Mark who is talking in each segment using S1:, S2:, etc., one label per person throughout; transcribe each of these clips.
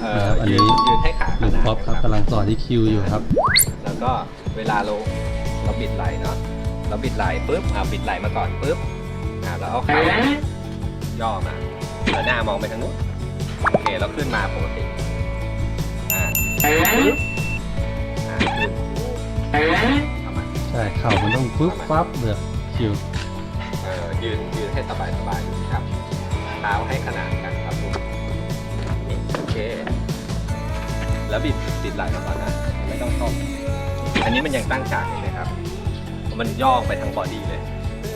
S1: นะครับอันนี้
S2: ยืนให้ขา
S1: ลุงป๊อปครับกำลังสอนที่คิวอยู่ครับ
S2: แล้วก็เวลาเราบิดไหล่เนาะเราบิดไหล่ปุ๊บบิดไหล่มาก่อนปุ๊บแล้วเอาขาย่อมาแล้วหน้ามองไปทางนู้นโอเคเราขึ้นมาปกติขึ้น
S1: ใช่เข่ามันต้องปึ๊บปั๊บเลยคิว
S2: ยืนให้สบายครับเท้าให้ขนานกันครับโอเคแล้วบิดไหล่มาก่อนนะไม่ต้องต้มอันนี้มันยังตั้งฉากอยู่เลยครับมันย่อไปทั้งบอดี้เลย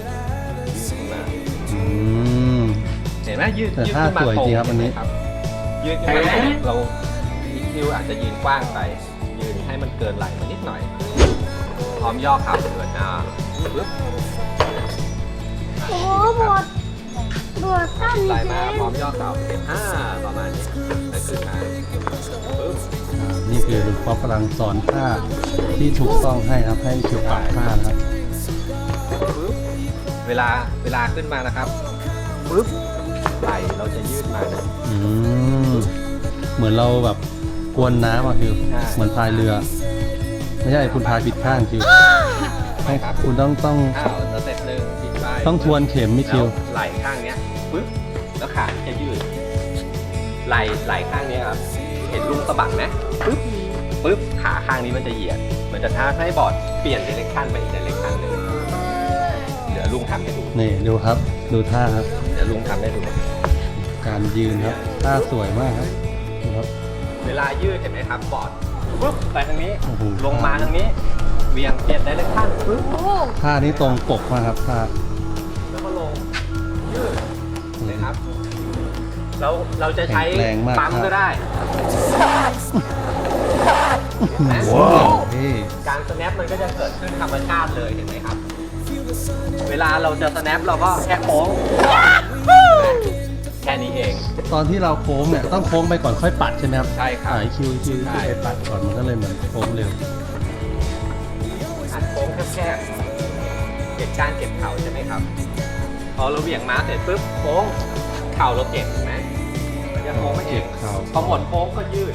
S2: เห็นไหมยืดขึ้นมาตรงครับอันนี้ยืดขึ้นมาเราคิวอาจจะยืนกว้างไปยืนให้มันเกินไหล่มานิดหน่อยพร้อมย่อเข่าเกินปึ๊บ
S3: โอ้โหบวชสั้น
S2: ไหล่มาพร้อมย่อเข่าประมาณนี้แล้วขึ้นมาปึ๊บ
S1: นี่คือลุงป๊อปกำลังสอนท่าที่ถูกต้องให้ครับให้คิวปรับท่านะครับ
S2: ปึ๊บเวลาขึ้นมานะครับปึ๊บไหล่เราจะยืดมา
S1: เหมือนเราแบบกวนน้ำอ่ะคิวเหมือนพายเรือไม่ใช่คุณพายผิดข้างคิวให้คุณต้อง
S2: สเต็ปหนึ่งบิดไป
S1: ต้องทวนเข็มไม่คิว
S2: ไหล่ข้างเนี้ยปึ๊บแล้วขาจะยืดไหล่ข้างนี้ครับเห็นลุงสะบัดไหมปึ๊บขาข้างนี้มันจะเหยียดมันจะท้าให้บอร์ดเปลี่ยนเดเรคชั่นไปอีกเดเรคชั่นหนึ่งเดี๋ยวลุงทำให้ดู
S1: นี่ดูครับดูท่าครับ
S2: เดี๋ยวลุงทำให้ดู
S1: การยืนครับท่าสวยมากครับดูครับ
S2: เวลายืดเห็นไหมครับบอร์ดปึ๊บไปทางนี้ลงมาทางนี้เวียงเปลี่ยนเดเรคชั่นปึ๊บ
S1: ท่านี้ตรงปกมากครับท่า
S2: แล้วก็ลงยืดเลยครับเราจะใช้ปั๊มก็ได้การสแนปมันก็จะเกิดขึ้นธรรมชาติเลยเห็นไหมครับเวลาเราจะสแนปเราก็แค่โค้งแค่นี้เอง
S1: ตอนที่เราโค้งเนี่ยต้องโค้งไปก่อนค่อยปัดใช่ไหมครับ
S2: ใช่ครับ
S1: คิวไปปัดก่อนมันก็เลยเหมือนโค้งเร็ว
S2: โค้งแคบๆเก็บการเก็บเข่าใช่ไหมครับพอเราเหวี่ยงม้าเสร็จปุ๊บโค้งเข่าเราเก็บถูกไหมมันจะโค้งไม่เองพอหมดโค้งก็ยืด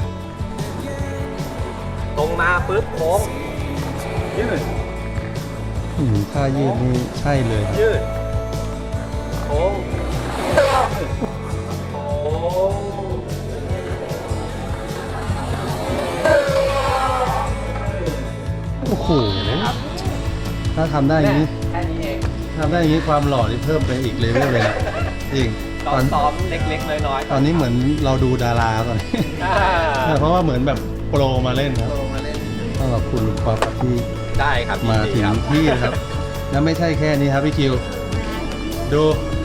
S2: ตรงมาปุ๊บโค้งยืด
S1: ท่ายืดนี่ใช่เลย
S2: ยืดโค้ง
S1: โอ้โหถ้าทำได้อย่างนี้
S2: แค่นี้เอง
S1: ทำได้อย่างนี้ความหล่อที่เพิ่มไปอีกเลเวลเลยนะจริง
S2: ตอนซ้อมเล็กๆน้อย
S1: ๆตอนนี้เหมือนเราดูดาราตอนนี้เพราะว่าเหมือนแบบโปรมาเล่นครับต้องขอบคุณลุงป๊อปที่
S2: ได้ครับ
S1: มาถึงที่ครับแล้วไม่ใช่แค่นี้ครับพี่คิวดู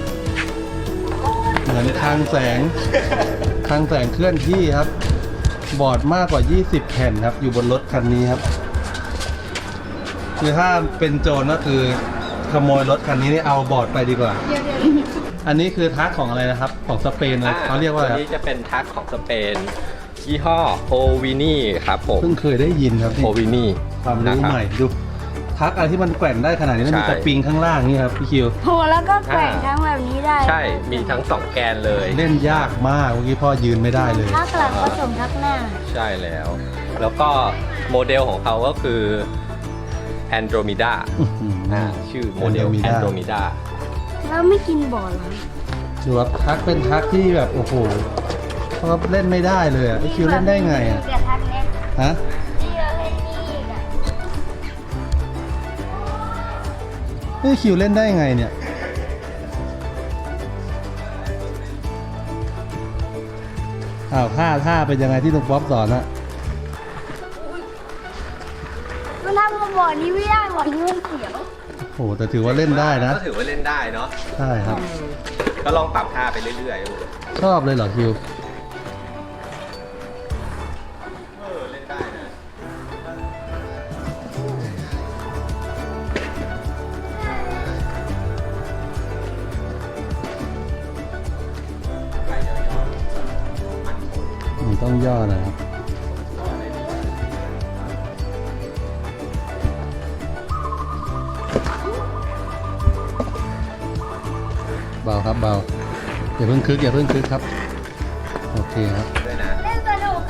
S1: เหมือนคลังแสงเคลื่อนที่ครับบอร์ดมากกว่า20แผ่นครับอยู่บนรถคันนี้ครับคือถ้าเป็นโจรก็คือขโมยรถคันนี้นี่เอาบอร์ดไปดีกว่าอันนี้คือทักของอะไรนะครับของสเปนนะเขาเรียกว่าอะไร
S2: ครับนี้จะเป็นทักของสเปนยี่ห้อโอวินี่ครับผม
S1: เพิ่งเคยได้ยินครับ
S2: โอวินี่
S1: ความรู้ใหม่ดูทักอะไรที่มันแกว่งได้ขนาดนี้แล้วมีสปริงข้างล่างนี่ครับพี่คิว
S3: โหแล้วก็แกว่งทั้งแบบนี้ได้
S2: ใช่มีทั้ง2แกนเลย
S1: เล่นยากมากเมื่อกี้พ่อยืนไม่ได้เลย
S3: ทักหลังผสมทักหน้า
S2: ใช่แล้วก็โมเดลของเขาก็คือ Andromeda ชื่อโมเดล Andromeda
S3: แล้วไม่กินบอร์ดหรอ
S1: ดูว่าทักเป็นทักที่แบบโอ้โหเขาเล่นไม่ได้เลยอ่ะพี่คิวเล่นได้ไงอ่ะฮะนี่คิวเล่นได้ไงเนี่ยท่าเป็นยังไงที่ลุงป๊อปสอนอะ
S3: มันทำมาบอร์ดนี้ไม่ได้บอร์ดนี้มันเสียว
S1: โอ้แต่ถือว่าเล่นได้นะ
S2: ก็ถือว่าเล่นได้เนาะ
S1: ใช่ครับ
S2: ก็ลองปรับท่าไปเรื่อยๆ
S1: ชอบเลยเหรอคิว
S2: เล่นได้นะ
S1: ต้องย่อนะครับเบาครับเบาอย่าเพิ่งคึกครับโอเคครับ
S3: เล่นสนุก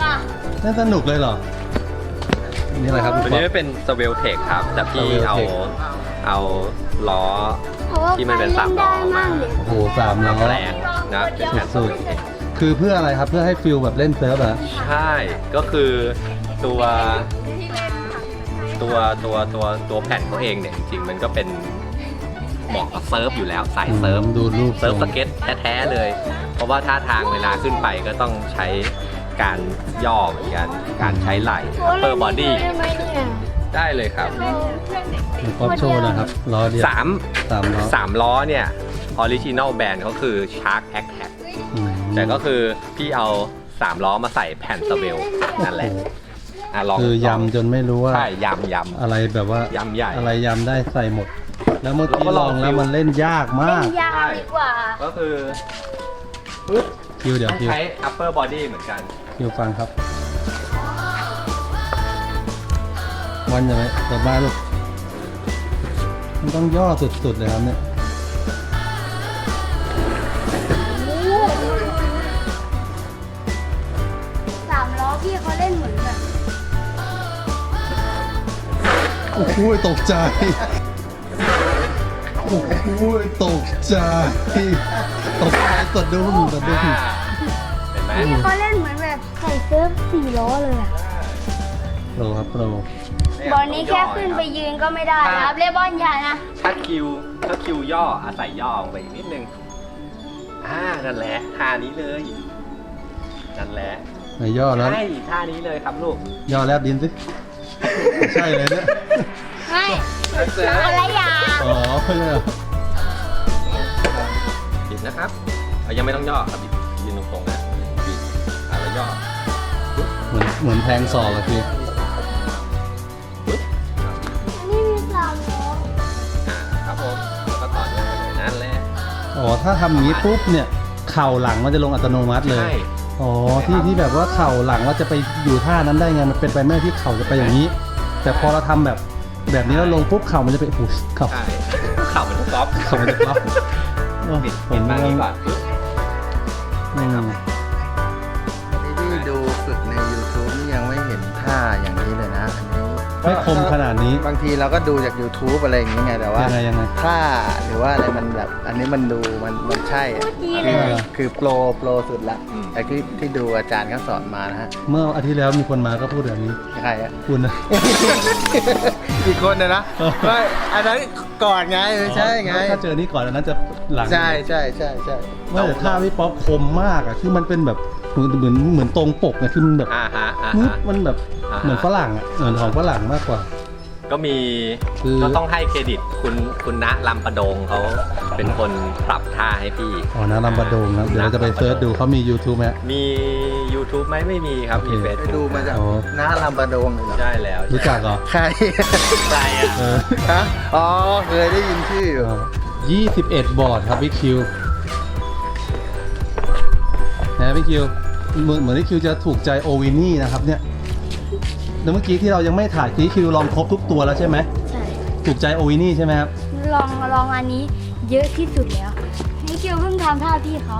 S1: น่าสนุกเลยเหรอ นี่อะไรครับ
S2: ตัวนี้เป็นสเวลเทคครับ แต่พี่เอา
S1: Sveltec
S2: เอาล้อ
S3: เพราะว่า
S2: ที่มันเป็นสามล้อมา
S3: เลย
S1: โอ้โห3 ล้อ
S2: แรงนะเป็นแผ่น
S1: สุด คือเพื่ออะไรครับ เพื่อให้ฟิลแบบเล่นเซิร์ฟเหรอ
S2: ใช่ ก็คือตัวแผ่นเขาเองเนี่ยจริงๆมันก็เป็นเหมาะกับเซิร์ฟอยู่แล้วสายเซิร์ฟ
S1: ดูรูป
S2: เซิร์ฟสเก็ตแท้ๆเลย เพราะว่าท่าทางเวลาขึ้นไปก็ต้องใช้การย่อเหมือนกัน การใช้ไหล่ upper body
S3: ได้ไหมเนี่ย
S2: ได้เลยครับ
S1: ป๊อปโชว์นะครับล้อเดียว
S2: 3
S1: ล้อ
S2: 3 ล้อเนี่ยออริจิน l ลแบรนด์เขาคือ Shark Attack
S1: อืม
S2: แต่ก็คือพี่เอา 3 ล้อมาใส่แผ่นสเวลนั่นแหละลอง
S1: คือยำจนไม่รู้ว่า
S2: ใช่ยำ
S1: อะไรแบบว่าย
S2: ำใหญ่
S1: อะไรยำได้ใส่หมด แล้วเมื่อกี้
S2: แล้วก็
S1: ล
S2: ล
S1: อ
S2: อง ง
S1: แล้วมันเล่นยากมา
S3: เล่
S1: ก
S3: นยาวดีกว่า
S2: ก็คือ
S1: คิวเดี๋ยว
S2: ต้อง
S1: คิว
S2: ใช้ upper body เหมือนกัน
S1: คิวฟังครับ วันยังไงกลับบ้านลูกมันต้องย่อสุดๆเลยครับเนี่ย
S3: 3 ล้อพี่เขาเล่นเหมือนแบบ
S1: โอ้โหตกใจ โอ้โหตกใจ ตกใจสะดุ้ง
S2: เห็นไหม
S3: พี่เขาเล่นเหมือนแบบใส่เซิร์ฟ4 ล้อเลยอะ
S1: โปรครับโปร
S3: บอลนี้แค่ขึ้นไปยืนก็ไม่ได้นะครับเล่นบอลใหญ่นะ
S2: ถ้าคิวย่ออาศัยย่อลงไปอีกนิดนึงนั่นแหละท่านี้เลยนั่นแหละ
S1: ไหนย่อแล้ว
S2: ใช่ท่านี้เลยครับลูก
S1: ย่อแลบดินสิไม่ใช่เลยเนี่ย
S3: ไม่อะไรอย่าง
S1: อ๋อเพื่อน
S2: บิดนะครับยังไม่ต้องย่อครับบิดยืนตรงๆนะบิดแล้วย่อ
S1: เหมือนแทงศอกอะพี่
S3: นี่มี3 ล้อ
S2: ครับผมแล้วก็ต่อเนื่องไปเลยนั่นแหละ
S1: อ๋อถ้าทำอย่างนี้ปุ๊บเนี่ยเข่าหลังมันจะลงอัตโนมัติเลย
S2: ใช่
S1: อ๋อที่แบบว่าเข่าหลังว่าจะไปอยู่ท่านั้นได้ไงมันเป็นไปไม่ได้ที่เข่าจะไปอย่างนี้ แต่พอเราทำแบบนี้แล้วลงปุ๊บเข่ามันจะไปโอ้โหเข่า
S2: ใช่เข่ามันจะก๊อป
S1: เข่ามันจะก๊อป
S2: บิด
S1: ผ
S2: บิ
S1: ม
S2: ดมา
S1: ว่า
S2: นี้ก่อนปึ๊บ
S1: อืม
S4: ที่ดูฝึกใน YouTube นี่ยังไม่เห็นท่าอย่างนี้เลยนะอันนี้
S1: ไม่คมขนาดนี้
S4: บางทีเราก็ดูจาก YouTube อะไรอย่างนี้ไงแต่ว่า
S1: ยังไง
S4: ท่าหรือว่าอะไรมันแบบอันนี้มันดูมันใช่อะ
S3: ดีเล
S4: คือย คือโปรสุดละแต่ที่ดูอาจารย์เขาสอนมานะฮะ
S1: เมื่ออาทิตย์แล้วมีคนมาก็พูดแบบนี้
S4: ใครอะ
S1: คุณนะ
S4: อีกคนนะ
S1: เออ
S4: ไม่อันนั้นก่อนไงไม่ใช่ไง
S1: ถ้าเจอนี่ก่อนอันนั้นจะหลัง
S4: ใช่ใช่
S1: ไม่แต่ท่าพี่ป๊อปคมมากอะคือมันเป็นแบบเหมือนตรงปกไงคือมันแบบ
S2: ฮะ
S1: มันแบบ
S2: อ่าฮะ
S1: เหมือนฝรั่งอะเหมือนของฝรั่งมากกว่า
S2: ก็มี
S1: คือ
S2: ก็ต้องให้เครดิตคุณณลำประโดงเขาเป็นคนปรับท่าให้พี่
S1: อ๋อนะลำบะโดงครับเดี๋ยวเราจะไปเซิร์ชดูเขามี YouTube ไหม
S2: มี YouTube ไหมไม่มีครับ มี
S1: โอเค
S2: เฟซ
S4: ไปดูมาจาก
S1: อ๋อ
S4: หน้าลำบะโดงเลยเหรอ
S2: ใช่แล้ว
S1: รู้จักเหรอ
S4: ใคร
S2: ใช่อะ
S1: เออ
S4: ฮะอ๋อเคยได้ยินชื่ออยู่
S1: 21 บอร์ดครับพี่คิวนะพี่คิวเหมือนพี่คิวจะถูกใจโอวินี่นะครับเนี่ยแล้วเมื่อกี้ที่เรายังไม่ถ่ายพี่คิวลองครบทุกตัวแล้วใช่ไหม
S3: ใช่
S1: ถูกใจโอวินี่ใช่ไหมครับ
S3: ลองอันนี้เยอะที่สุดแล้วนี่คิวเพิ่งทำท่าพี่เขา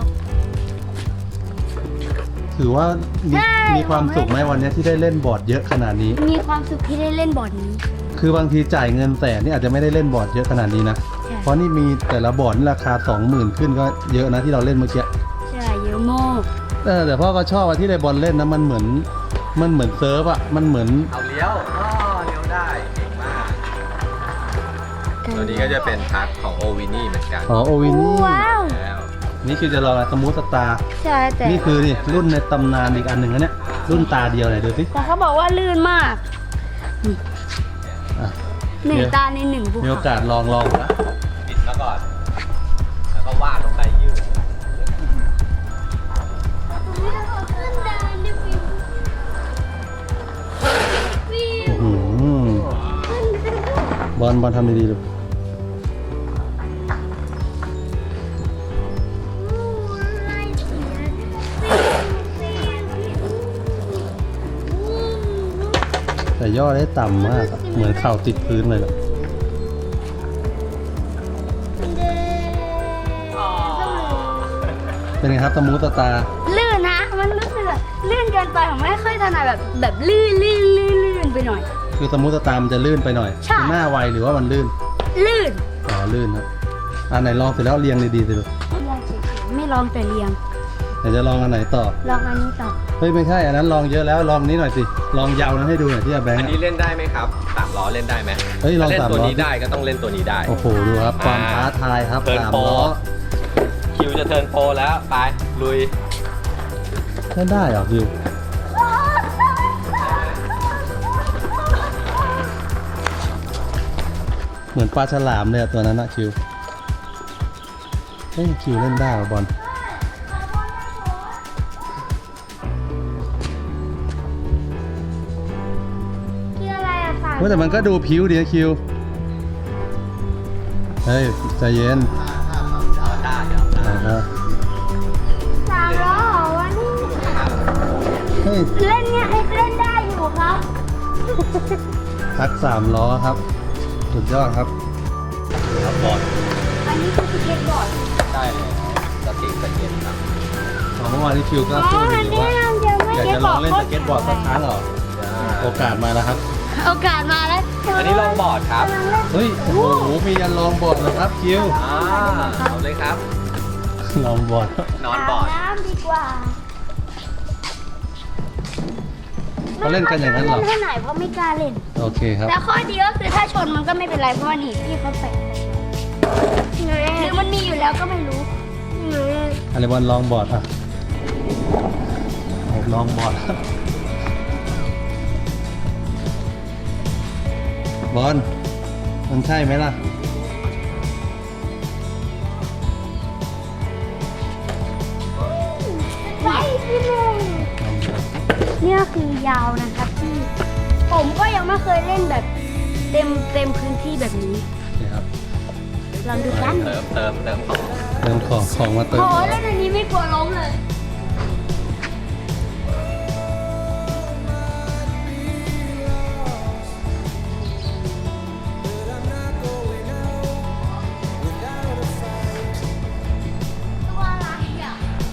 S1: ถือว่ามี
S3: ใช่
S1: มีความสุขไหมวันนี้ที่ได้เล่นบอร์ดเยอะขนาดนี้
S3: มีความสุขที่ได้เล่นบอร์ดนี้
S1: คือบางทีจ่ายเงินแต่นี่อาจจะไม่ได้เล่นบอร์ดเยอะขนาดนี้นะ
S3: ใช่
S1: เพราะนี่มีแต่ละบอร์ดนี่ราคา 20,000 ขึ้นก็เยอะนะที่เราเล่นเมื่อกี้
S3: ใช่เยอะมาก
S1: แต่พ่อก็ชอบว่าที่ไดบอลเล่นนะมันเหมือนเซิร์ฟอะมันเหมือน
S2: เอาเลี้ยวเลี้ยวได้เก่งมากตัวนี้ก็จะเป็นพาร์ทของโอวินี่เหมือนกัน
S1: อ๋อโอวินี่
S3: ว้าว
S2: แล้ว
S1: นี่คือจะลองสมูทสตาร์
S3: ใช่แต่
S1: นี่คือนี่รุ่นในตำนานอีกอันหนึ่งนะเนี่ยรุ่นตาเดียวไหนดูสิ
S3: แต่เขาบอกว่าลื่นมาก
S1: อ่ะ
S3: หนึ่ง
S1: เดี๋ยว
S3: ตาใน1 ภู
S1: มีโอ
S3: เขา
S1: กาสลอง
S2: บิดแล้วก่อน แล้วก็วาดลงไปยืด
S1: อื้อหือบอลทำดีๆลูกแต่ย่อได้ต่ำมากอะเหมือนเข่าติดพื้นเลยอะ เป็นไงครับสมูทสตาร์
S3: ลื่นนะ มันรู้สึกลื่นกับกินไปผมไม่ค่อยถนัดแบบลื่นไปหน่อย
S1: คือสมมุติสตาร์มันจะลื่นไปหน่อย
S3: ใช่
S1: คือหน้าไวหรือว่ามันลื่น
S3: ลื่น
S1: อ๋อลื่นครับอันไหนลองเสร็จแล้วเรียงดีๆสิลูก
S3: ลองเฉยๆไม่ลองแต่เรียง
S1: เดี๋ยวจะลองอันไหนต่อ
S3: ลองอันนี้ต่อ
S1: เฮ้ยไม่ใช่อันนั้นลองเยอะแล้วลองนี้หน่อยสิลองยาวนั้นให้ดูหน่อยที่อาแบง
S2: อั
S1: ค์
S2: นนี้เล่นได้ไหมครับ3ล้อเล่นได้ไหม
S1: เฮ้ยลอง
S2: ถ้าเล่น
S1: 3
S2: ตัว
S1: ล้อ
S2: นี้ได้ก็ต้องเล่นตัวนี้ได้
S1: โอ้โหดูครับความท้าทายครับ
S2: เทิร์น
S1: 3
S2: โปร
S1: ล้อ
S2: คิวจะเทิร์นโปรแล้วไปลุย
S1: เล่นได้เหรอคิวเหมือนปลาฉลามเลยอะตัวนั้นอะคิวเฮ้ยคิวเล่นได้เหรอบอล
S3: คืออะไรอะสาย
S1: ว่าแต่มันก็ดูผิวดีนะคิว เฮ้ยใจเย็น
S2: ได้เดี๋ยว
S1: อ่าฮะ
S3: 3 ล้อเหรอวะนี่
S1: เฮ้ย
S3: เล่นเนี่ยเล่นได้อยู่ครับ
S1: ทัก3 ล้อครับ สุดยอดครับ
S2: ครับบอล
S3: อันนี้คือสเก็ตบอร์ด
S2: ได้เลยสติ๊กสเก็ตครับ
S1: เมื่อวานที่คิวก็พูดอยู่ว่า อยากจะลองเล่นสเก็ตบอร์ดสักครั้งเหรอ โอกาสมาแล้วครับ
S3: โอกาสมาแล้ว
S2: อันนี้ลองบอร์ดครับ
S1: เฮ้ย โอ้โห มียันลองบอร์ดเลยครับคิว
S2: เอาเลยครับ
S1: ลองบอร์ด
S2: นอนบอร์ด
S3: น้ำดีกว่า
S1: เขาเล่นกันอย่างนั้นเหรอ
S3: ไม่ค่ยเล่นเท่าไหร่เพราะไม่กล้าเล่น
S1: โอเคครับ
S3: แต่ข้อดีก็คือถ้าชนมันก็ไม่เป็นไรเพราะว่านี่พี่เขาแปะหรือมันมีอยู่แล้วก็ไม่รู้
S1: อะไรบอลลองบอร์ดอ่ะโอ้ลองบอร์ด บอลมันใช่ไหมล่ะ
S3: ไว้พี่หนึ่งนี่ก็คือยาวนะครับที่ผมก็ยังไม่เคยเล่นแบบเต็มพื้นที่แบบนี้
S1: นี่ครับ
S3: ลองดูกัน
S2: เติมของ
S1: เติมของมาเติม
S3: โอ้เล่นอันนี้ไม่กลัวล้มเลยตัวอะไรอ่ะ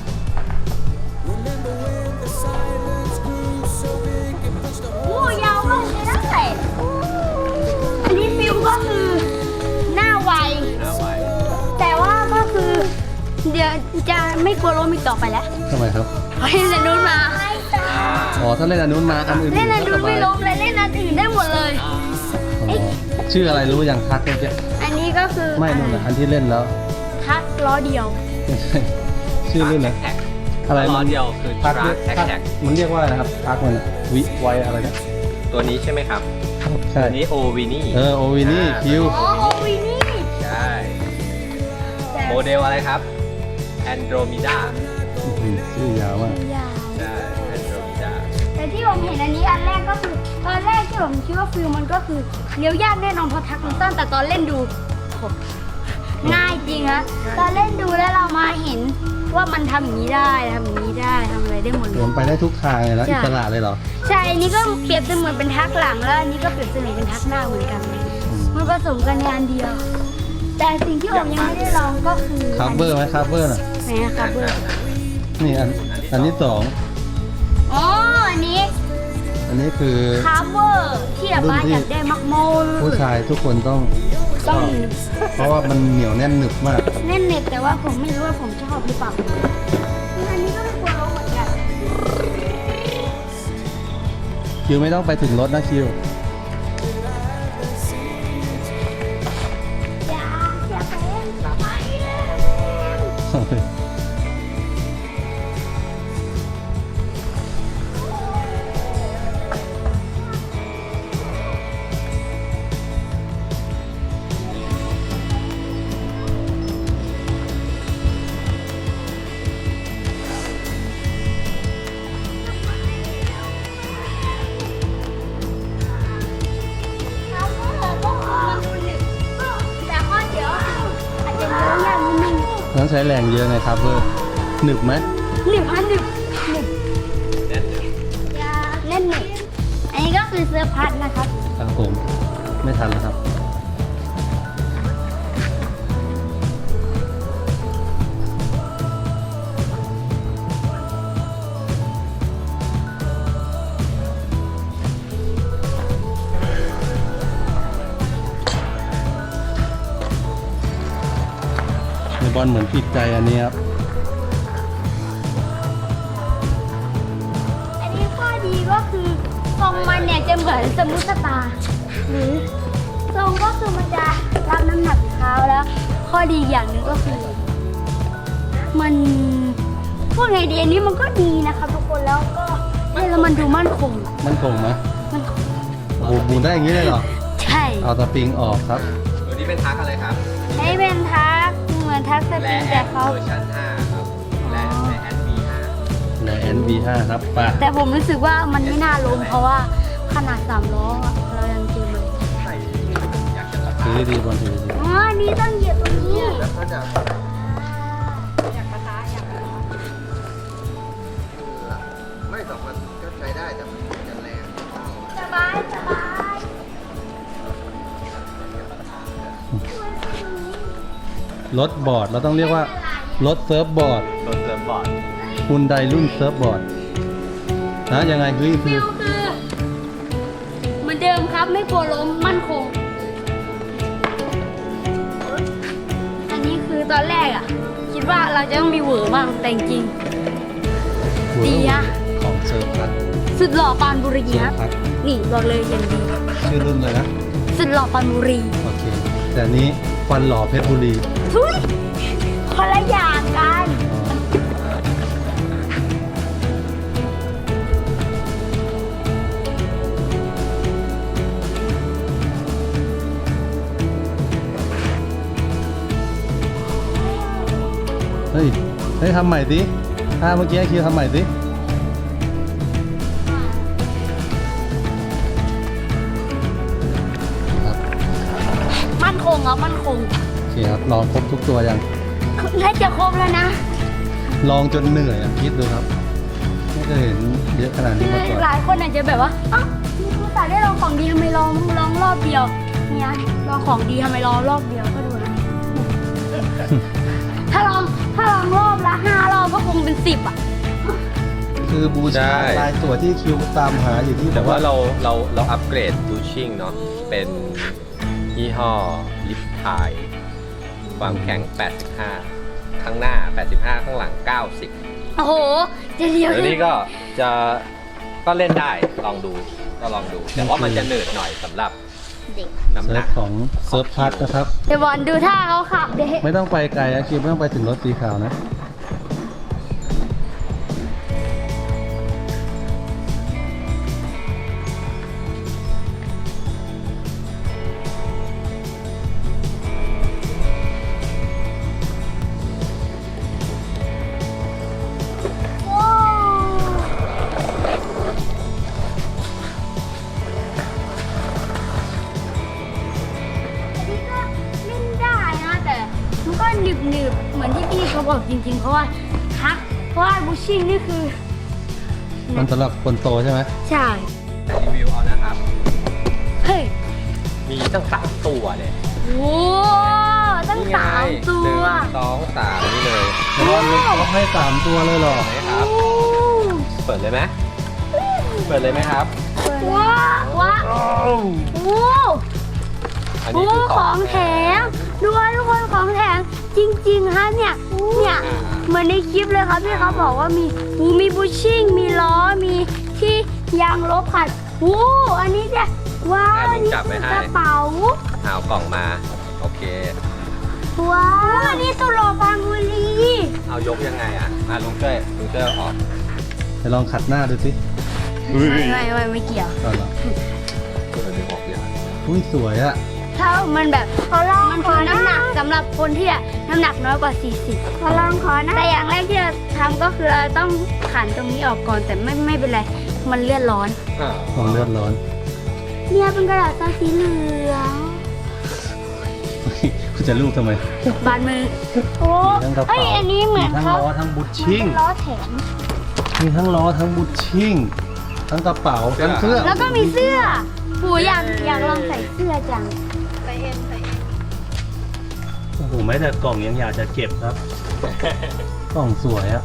S3: โอ้ยาวมากเลยนะแต่อันนี้ฟิลก็คือหน้าไว
S2: เอาไว้
S3: แต่ว่าก็คือเดี๋ยวจะไม่กลัวล้มอีกต่อไปแล้ว
S1: ทำไมครับ
S3: เพราะเล่นอันนู้นมา
S1: อ๋อ ถ้าเล่นอันนู้นมาอันอื่น
S3: เล่นอัน
S1: ก็
S3: นู้
S1: ส
S3: น
S1: บา
S3: ไม่
S1: ย
S3: ล้มเลยเล่นอันอื่นได้หมดเลย
S1: อ๋อชื่ออะไรรู้อย่างทักเมื่อกี้
S3: อันนี้ก็คือ
S1: ไม่นู่นน่ะอันที่เล่นแล้ว
S3: ทักล้อเดียว
S1: ไม่ใช่ชื่อรุ่นนะ
S2: แท็ก
S1: อะไร
S2: ล้อ
S1: มัน
S2: เดียวคือ
S1: ทัก
S2: ทรัคแท็ก
S1: ทัก
S2: แท็ก
S1: มันเรียกว่าอะไรนะครับทักมันอะวิไวอะไรนะ
S2: ตัวนี้ใช่ไหมครับ
S1: ใช่
S2: ตัวนี้โอวินี่
S1: โอวินี่คิว
S3: อ๋อโอวีนี่
S2: ใช่ โมเดลอะไรครับ Andromeda
S1: ชื่อยาวมาก
S3: ยาว
S2: ใช่ Andromeda
S3: แต่ที่ผมเห็นอันนี้อันแรกก็คือตอนแรกที่ผมคิดว่าฟิลมันก็คือเลี้ยวยากแน่นอนเพราะทักมันต้นแต่ตอนเล่นดูโหง่ายจริงฮะตอนเล่นดูแล้วเรามาเห็นว่ามันทำอย่างนี้ได้ทำอย่างนี้ได้ทำอะไรได้หมดเล
S1: มัน
S3: ย
S1: ไปได้ทุกทางเลยนะ
S3: ใช่
S1: อิสระเลยเหรอ
S3: ใช่อันนี้ก็เปรียบเสมือนเป็นทักหลังแล้วอันนี้ก็เปรียบเสมือนเป็นทักหน้าเหมือนกัน มันผสมกันในอันเดียว แต่สิ่งที่ผมยังไม่ได้ลองก็คือ
S1: คัฟเวอร์ไหมคัฟเวอร์น่ะ
S3: ไหนอะคัฟเวอร์
S1: นี่อันที่สอง
S3: อ๋ออันนี้
S1: อันนี้คือ
S3: คัฟเวอร์ที่แบบว่าอยากได้มักโมล
S1: ผู้ชายทุกคนต้อง
S3: ต้อง
S1: เพราะว่ามันเหนียวแน่นหนึบมาก
S3: เล่นเน็ตแต่ว่าผมไม่รู้ว่าผมชอบหรือเปล่าอันนี้ก็ไม่กลัวล้มเหมือนกัน
S1: คิวไม่ต้องไปถึงรถนะคิว
S3: อย่าเป็นสบายเลย แต่ข้อเดียวอาจจะเลี้ยวยากนิดนึง
S1: ต้องใช้แรงเยอะไงครับเวอร์หนึบไหม
S3: หนึ่งพันหนึ่ง
S2: แน่นหนึบ
S3: เล่นหนึ่งอันนี้ก็คือเสื้อพัดนะครับ
S1: ครับผมไม่ทันแล้วครับบอลเหมือนผิดใจอันนี้ครับ
S3: อันนี้ข้อดีก็คือทรงมันเนี่ยจะเหมือนสมูทสตาร์หรือทรงก็คือมันจะรับน้ำหนักเท้าแล้ว ข้อดีอย่างหนึ่งก็คือมันพูดไงดีอันนี้มันก็ดีนะครับทุกคนแล้วก็แล้วมันดูมั่นคง
S1: มันคงไหม
S3: มันคง
S1: โอ้โหหมุนได้อย่างนี้เลยเหรอ
S3: ใช่
S1: เอาสปริงออกครับ
S2: ตัวนี้เป็นทักอะไรครับ
S3: ใช้เป็นทักเหมือนทักสปริงแต่เขา
S2: เวอร์ชัน5ครับและแอนบี5
S1: ใน NV5 ครับไป่ะ
S3: แต่ผมรู้สึกว่ามันไม่น่าล้มเพราะว่าขนาด3 ล้ออะเรายังเจอเลย
S2: ใส่อยากจะส
S1: ถื
S2: ตา
S1: อ
S2: ร์ท
S1: ดีบอลถือดี
S3: อ๋ออันนี้ต้องเหยียบตรงนี้
S4: แล้วก็จะ
S3: อยากกระทะอยากกระทะ
S4: ไม่สองมันก็ใช้ได้แต่มันจะแรง
S3: สบายสบาย
S1: รถบอร์ดเราต้องเรียกว่ารถเซิร์ฟบอร์ด
S2: รถเซิร์ฟบอร์ด
S1: ฮุนไดรุ่นเซิร์ฟบอร์ดนะยังไงคือ
S3: ฟิลคือเหมือนเดิมครับไม่กลัวล้มมั่นคง อันนี้คือตอนแรกอ่ะ คิดว่าเราจะต้องมีเหวอร์บ้างแต่จริง ดีอะ
S1: ของเซิร์ฟพัด
S3: ๆสุดหล่อปานบุรี
S1: เซิ
S3: ค
S1: ร์
S3: รั
S1: ฟ
S3: บ
S1: พัด
S3: นี่บอกเลยอย่างดี
S1: ชื่อรุ่นเลยนะ
S3: สุดหล่อปานบุรี
S1: โอเค แต่อันนี้ฟันหล่อเพชรบุรี
S3: ทุยคนละอย่างกัน
S1: เฮ้ย เฮ้ยทำใหม่ดิถ้าเมื่อกี้คิวทำใหม่ดิครับ
S3: มั่นคงครับมั่นคง
S1: โอเคครับ ลองครบทุกตัวยัง
S3: น่าจะครบแล้วนะ
S1: ลองจนเหนื่อยอ่ะคิดดูครับ ไม่เคยเห็นเยอะขนาด
S3: คื
S1: นี้
S3: อ
S1: มาก่อน
S3: หลายคนอาจจะแบบว่าอ้าวนี่คุณตาได้ลองของดีทำไมลองรอบเดียว เนี่ยลองของดีทำไมลองรอบเดียวก็ดูนะ ถ้าลองรอบละ5 รอบก็คงเป็น10อ่ะ
S1: คือบูชาลายตัวที่คิวตามหาอยู่ที่
S2: แต่ว่าเราอัปเกรดบูชิ่งเนาะเป็นยี่ห้อลิฟไทยความแข็ง 85 ข้างหน้า 85 ข้างหลัง 90
S3: โอ้โห จะเลี้ยว
S2: แล้วนี่ก็เล่นได้ลองดูก็ลองดู แต่ว่ามันจะเหนื่อยหน่อยสำหรับ
S3: เด็ก
S2: น้ำห
S1: เซิ
S2: นั
S1: ร์ฟ
S2: ก
S1: ของเซิร์ฟพัดนะครับ
S3: เดี๋ยวบอลดูท่าเขาขับเด็ก
S1: ไม่ต้องไปไกลนะคิวไม่ต้องไปถึงรถสีขาวนะ
S3: ว้าวอันนี้ก็เล่นได้นะแต่มันก็หนึบๆเหมือนที่พี่เขาบอกจริงๆ เพราะว่าทักเพราะว่าบูชิ่งนี่คือ
S1: มันสำหรับคนโตใช่ไหม
S3: ใช่
S2: รีวิวเอานะครับ
S3: เฮ้ย
S2: มีตั้ง3ตัวเลย
S3: โอ้ตั้ง
S2: นี่ไง
S3: 3 ตัว
S2: 1 2 3 นี่เลย
S1: แต่ว่าเขาให้3ตัวเลยเหรอ
S2: เห็นไหมครับ เปิดเลยไหมเปิดเลยไหมครับ
S3: ว้าวว้าวโอ้
S2: อัน
S3: โห
S2: นี้คือ
S3: ของแถมดูว่าทุกคนของแถมจริงๆฮะเนี่ยเหมือนในคลิปเลยครับที่เขาบอกว่ามีบูชิ่งมีล้อมีที่ยางลบขัดโอ้อันนี้เนี่ยว้าวอันนี้คือกระเป๋า
S2: เอากล่องมา โอเค
S3: ว้าวอันนี้สุโรปานบุรี
S2: เอายกยังไงอ่ะลุงช่วยเอาออก
S1: ไปลองขัดหน้าดูสิ
S3: ไม่เกี่ยว
S1: ก่อนเหรอ
S2: ดึงออกยัง
S1: อุ้ยสวยอะ
S3: ถ้ามันแบบมันคือน้ำหนักสำหรับคนที่น้ำหนักน้อยกว่า 40ขอลองขอนะแต่อย่างแรกที่เราทำก็คือเราต้องขันตรงนี้ออกก่อนแต่ไม่เป็นไรมันเลือดร้อน
S1: ของเลือดร้อน
S3: เนี่ยเป็นกระดาษซาสีเหลือง
S1: คุณจะลูกทำไม
S3: บานมือโอ้
S1: มีทั้งกระเป๋า
S3: เอ้ยอันนี้เหมือน
S1: ทั้ง
S3: เขา
S1: ล้อทั้งบุชชิ่ง
S3: มันเป็นล้อแถม
S1: มีทั้งล้อทั้งบุชชิ่งทั้งกระเป๋าทั้งเสื้อ
S3: แล้วก็มีเสื้อหูอยากลองใส่เสื้อจัง
S1: โอ้โหแม้แต่กล่องยังอยากจะเก็บครับ กล่องสวยอะ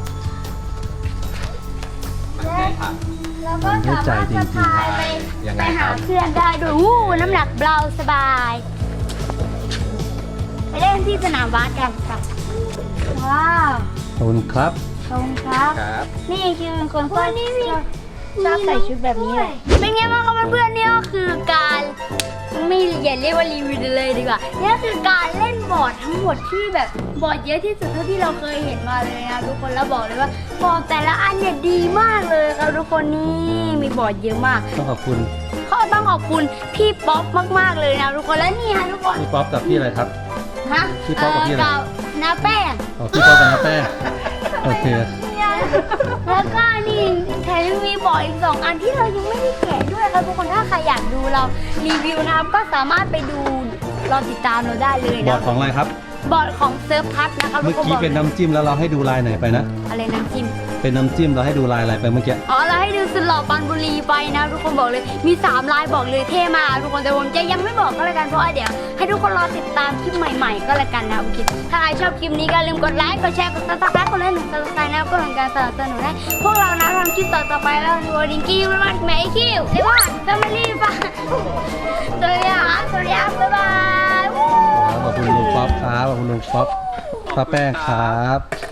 S2: มันใจถัง
S3: แล้วก็สามารถสะพายไป
S2: ยังไง
S3: ไป
S2: ค
S3: หา
S2: รับ
S3: เพื่อนได้ด้วยอู้น้ำหนักเบาสบาย ไปเล่นที่สนามบาสกันครับว้าว
S1: ขอบคุณครับ
S3: ขอบคุณครับ
S2: ครับ
S3: นี่คือเป็นคนชอบใส่ชุดแบบนี้เลยเป็นไงบ้างครับเพื่อนๆนี่ก็คือการไม่อย่าเรียกว่ารีวิวเลยดีกว่านี่คือการเล่นบอร์ดทั้งหมดที่แบบบอร์ดเยอะที่สุดเท่าที่เราเคยเห็นมาเลยนะทุกคนแล้วบอกเลยว่าบอร์ดแต่ละอันเนี่ยดีมากเลยครับทุกคนนี่มีบอร์ดเยอะมาก
S1: ต้องขอบคุณ
S3: ก็ต้องขอบคุณพี่ป๊อปมากๆเลยนะทุกคนและนี่ฮะทุกคน
S1: พี่ป๊อปกับพี่อะไรครับ
S3: ฮะ
S1: พี่ป๊อปกับพี่อะไร
S3: น้าแป้ง
S1: อ๋อพี่ป๊อปกับน้าแป้งโอเค
S3: แล้วก็นี่แถมยังมีบอร์ดอีก2 อันที่เรายังไม่ได้แกะด้วยครับทุกคนถ้าใครอยากดูเรารีวิวนะครับก็สามารถไปดูรอติดตามเราได้เลย
S1: บอ
S3: นะ
S1: ร์ดของอะไรครับ
S3: บอร์ดของเซิร์ฟพัทนะครับ
S1: เมื่อกี้เป็นน้ำจิ้มแล้วเราให้ดูลายไหนไปนะ
S3: อะไรน้ำจิ้ม
S1: เป็นน้ำจิ้มเราให้ดูลายอะไรไปเมื่อกี้
S3: อ๋อเราให้ดูสุดหล่อปานบุรีไปนะทุกคนบอกเลยมี3 ลายบอกเลยเท่มากทุกคนแต่ผมจะยังไม่บอกก็แล้วกันเพราะว่าเดี๋ยวให้ทุกคนรอติดตามคลิปใหม่ๆ ก็แล้วกันนะโอเคถ้าใครชอบคลิปนี้ก็อย่าลืมกดไลค์กดแชร์กดซับสไครต์กดไลค์1 ซับสไครต์นะก็เป็นการสนับสนุนให้พวกเรานะทำคลิปต่อๆไปแล้วดูดิงกี้มากแม่คิวเรียกว่าแฟมิลี่ป่ะสวัสดีครับบ๊ายบาย
S1: ขอบคุณลุงป๊อปครับขอบคุณลุงป๊อปป้าแป้งครับ